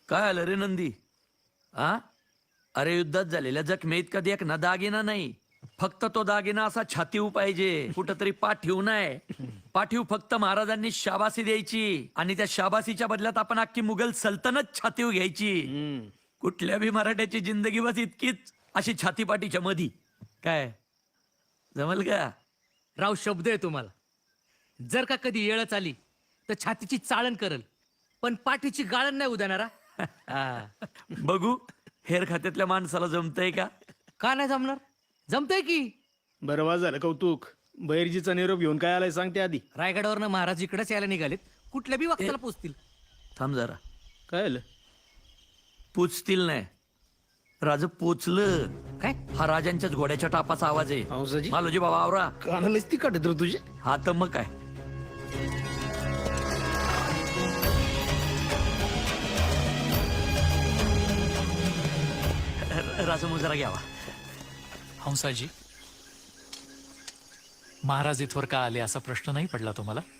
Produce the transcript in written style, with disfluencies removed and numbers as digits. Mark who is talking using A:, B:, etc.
A: काय आलं रे नंदी? आ अरे युद्धात झालेल्या जखमेत कधी एक ना दागिना नाही, फक्त तो दागिना असा छातीव पाहिजे, कुठंतरी पाठीव नाही. पाठीव फक्त महाराजांनी शाबासी द्यायची आणि त्या शाबासीच्या बदल्यात आपण अख्खी मुघल सल्तनत छातीव घ्यायची. कुठल्या बी मराठ्याची जिंदगी बस इतकीच अशी छातीपाठीच्या मधी. काय जमल का?
B: राव शब्द आहे तुम्हाला. जर का कधी येळच आली तर छातीची चाळण करल, पण पाठीची गाळण नाही उदानारा.
A: बघू हेर खात्यातल्या माणसाला जमतंय का?
B: का नाही जमणार? जमतंय की.
C: बरं वाज झालं कौतुक. बैरजीचा निरोप घेऊन काय आलाय सांगते आधी.
B: रायगडावरनं महाराज इकडेच यायला निघालेत. कुठल्या बी वक्ताला पोचतील.
A: थांब जरा.
C: काय आलं?
A: पोचतील नाही, राज पोचलं.
B: काय?
A: हा राजांच्याच घोड्याच्या टापाचा आवाज आहे.
C: हंसाजी?
A: मालोजी बाबा आवरा.
C: कानालाच ती काढत रे तुझे.
A: हा तर मग काय. राज मुजरा घ्यावा.
D: हंसाजी, महाराज इथवर का आले असा प्रश्न नाही पडला तुम्हाला?